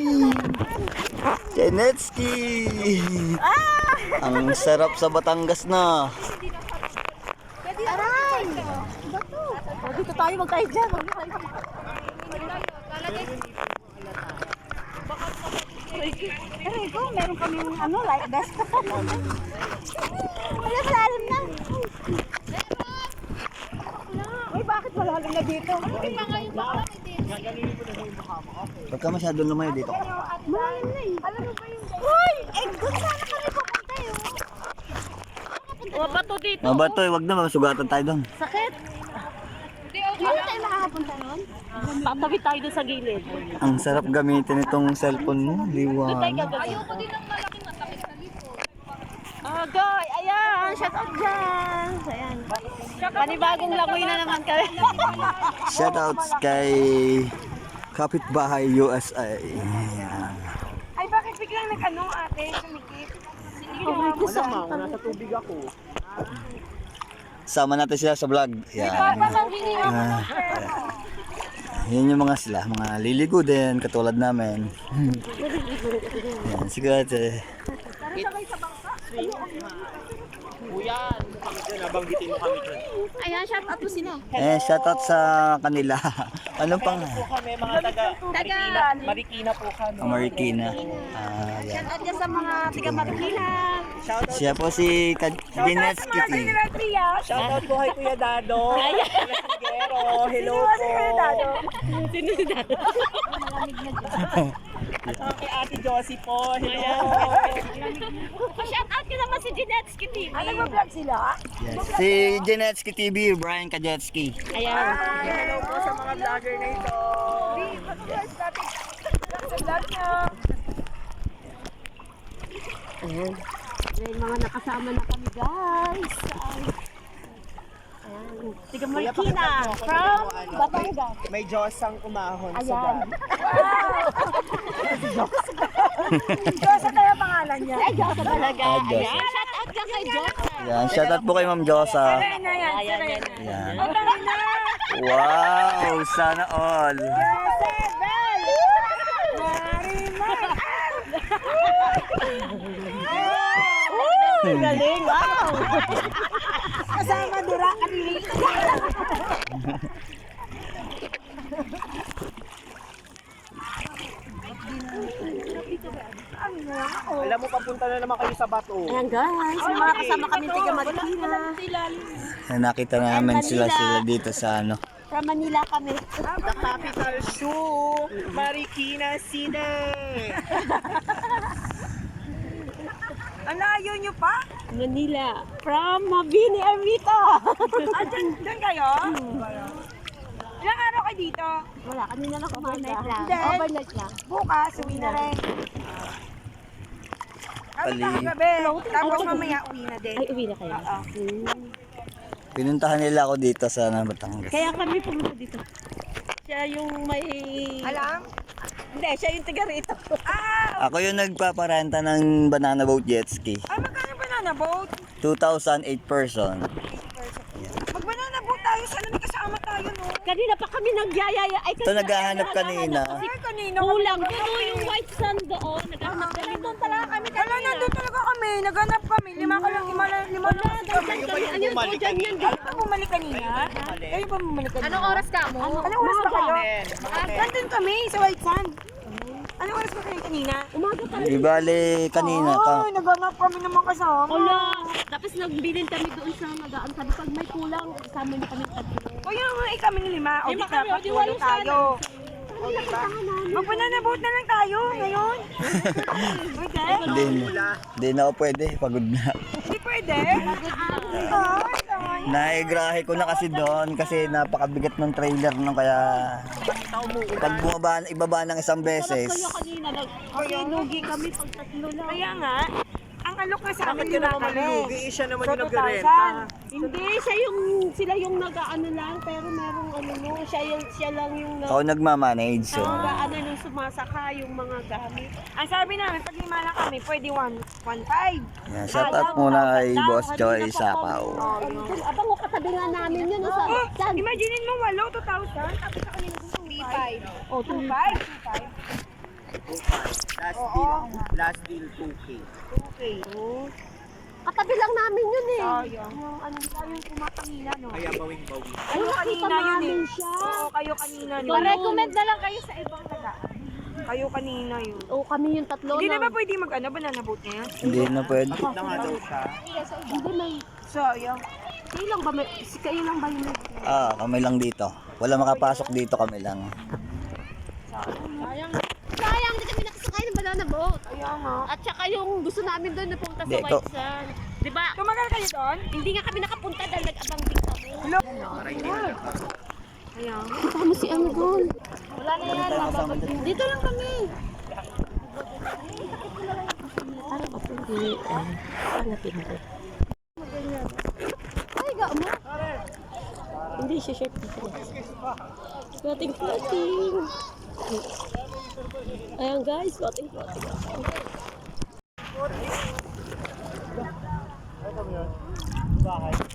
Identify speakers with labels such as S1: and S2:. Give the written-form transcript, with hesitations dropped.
S1: Genetski! Ang sarap sa Batangas na.
S2: Aray! Bato! Dito tayo, magkahit dyan. Aray ko, meron kaming like best. Wala sa alam na. Uy, bakit wala lang na dito?
S1: Huwag ka masyadong lumayo dito.
S2: Malalim na eh. Alam mo ba yung... Uy! Doon sana kami pupunta yun. Bato dito.
S1: Mabato, huwag na, masugatan tayo doon.
S2: Sakit. Hindi tayo makakapunta nun. Tatabi tayo doon sa gilid.
S1: Ang sarap gamitin itong cellphone mo, liwanag.
S2: Ayoko din ng malaking matakit sa lipo. Goy! Ayan! Shout out dyan! Ayan. Panibagong langoy na naman kami.
S1: Shoutouts kay Kapitbahay USA. Ayan.
S2: Ay, bakit biglang nag-ano ate? Sumikip? Ako sama, nasa tubig ako.
S1: Sama natin sila sa vlog. Ayan. Yan yung mga sila, mga liligo din, katulad namin. Ayan, sige ate.
S3: Kuya, kami dyan, nabanggitin mo kami dyan.
S2: Ayan, shout out po sila.
S1: Shoutout sa kanila. Anong pang?
S3: Po kami, mga taga Marikina po kami.
S1: Marikina. Ayan.
S2: Shout out dyan sa mga tiga Marikina.
S3: Shoutout,
S1: Siya po si Genetski.
S3: shoutout po kay Kuya Dado. Sigero, hello po.
S2: Sino si Dado?
S3: At saka kay Ate Josie po, hello.
S2: Shout out ka naman si Genetski TV. Ano ba vlog sila?
S1: Yes. Si Genetski TV, Brian Kajetski.
S2: Ayan.
S3: Hello po sa mga vlogger na ito.
S2: Ayan. May mga nakasama na kami guys. Ayan. Tiga Marikina from Batangas.
S3: May Diyos ang umahon sa
S2: Ayan.
S3: daan.
S2: Diyosa tayo pangalan niya. Ay, Diyosa talaga.
S1: Ah, Diyosa.
S2: Ayan. Shout out ka kay Diyosa.
S1: Ayan, shoutout po kay Ma'am Josa.
S2: Ayan.
S1: Ayan.
S2: na.
S1: Wow, sana all.
S2: Galing, wow! Kasama dura kanili.
S3: Alam mo, papunta na naman kayo sa bato.
S2: Ayan guys, may mga kasama kami tiga Marikina.
S1: Nakita namin sila dito sa ano.
S2: From Manila kami.
S3: The capital shoe, Marikina City.
S2: Alayo nyo pa? Manila. From Mabini, Ermita. Diyan kayo? Ilang araw kayo dito? Wala, kanina lang overnight lang. Overnight lang. Bukas, uwi na rin. Kami kagabi. Tapos mamaya uwi na din. Ay, uwi na kayo? Oo.
S1: Pinuntahan nila ako dito sa Batangas.
S2: Kaya kami pumunta dito. Siya yung may... Alam? Hindi, siya yung taga rito.
S1: Ako yung nagpaparenta ng banana boat jet ski.
S4: Ay, magkano banana boat?
S1: 2,008 person.
S4: Mag-banana boat tayo. Sana may kasama tayo, no?
S2: Kanina pa kami nagyayaya. Ay,
S1: Ito naghahanap kanina.
S4: Ay, kanina.
S2: Kulang. Pero yung white sand doon, naghahanap kami doon talaga kami.
S4: Wala, nandun talaga kami. Naghanap kami. Lima lang
S2: Kami, ano yung po dyan yan?
S4: Kayo pa bumalik kanina? Kayo pa bumalik kanina?
S2: Anong oras ka mo?
S4: Anong oras ba kayo? Nandun kami sa White Sand. Anong oras ba kayo kanina?
S2: Umaga pa.
S1: Di bale kanina ka.
S4: Ay, naghanap kami naman kasama.
S2: Wala. Tapos nagbilin kami doon sa magaan. Sabi pag may kulang, kasama niyo kami tatlo.
S4: O yun nga kami lima. O di dapat walo tayo. O diba? Mag-banana boat na lang tayo ngayon. Pwede?
S1: Hindi na ako pwede. Pagod na.
S4: Hindi pwede? Ay,
S1: Naigrahe ko na kasi doon kasi napakabigat ng trailer nung kaya pag ibaba ng isang beses.
S2: Kaya kanina, lugi kami pag tatlo lang.
S4: kaya nga, ang alok na sa amin
S3: Bakit yun
S4: lima
S3: naman
S4: kami.
S3: malulugi? Siya naman
S4: So,
S3: yung nag-renta.
S4: 2,000.
S2: Hindi, sila yung nag-ano lang, pero merong ano mo, siya lang yung
S1: Ako nagmamanage. So.
S2: ano yung sumasaka yung mga gamit.
S4: Ang sabi namin, pag lima na kami, pwede 1.5.
S1: Yan, shout out muna kay Boss Joy Sapaw.
S2: Abang ko katabi nga namin yun. Saan?
S4: Imaginein mo, walo, 2,000. Tapos sa kanila gusto 3.5.
S2: Oh,
S4: 2.5.
S3: Last deal 2K.
S4: Okay.
S2: Katabi lang namin yun eh.
S4: Sayang.
S2: Yung ano, yung kumakangina, no?
S3: Kaya bawing-bawi.
S4: Kayo kanina yun eh.
S2: siya.
S4: Oo, kayo kanina yun.
S2: Pa-recommend na lang kayo sa ibang taga.
S4: Kayo kanina yun.
S2: Oo, kami yung tatlo
S4: Hindi na
S2: na.
S4: ba pwede banana boat na yan?
S1: Hindi na pwede.
S3: Bakit na nga daw siya?
S2: Hindi may.
S4: Sayang.
S2: Kayo lang ba, kayo lang ba yung may?
S1: Kami lang dito. Wala makapasok dito, kami lang.
S2: Sayang, hindi kami nakasakay ng banana boat.
S4: Kaya nga.
S2: At saka yung gusto namin doon na punta sa
S1: Hindi,
S2: White Sand. Di ba?
S4: Tumagal kayo doon?
S2: Hindi nga kami nakapunta dahil nag-abang din kami.
S4: Kaya nga.
S2: Kasama si ano doon. Wala na yan. Dito lang kami. Parang mapindi. Parang mapindi. Ay, gao mo. Hindi siya shirt. Floating. Ayan guys, floating.
S3: Bakit?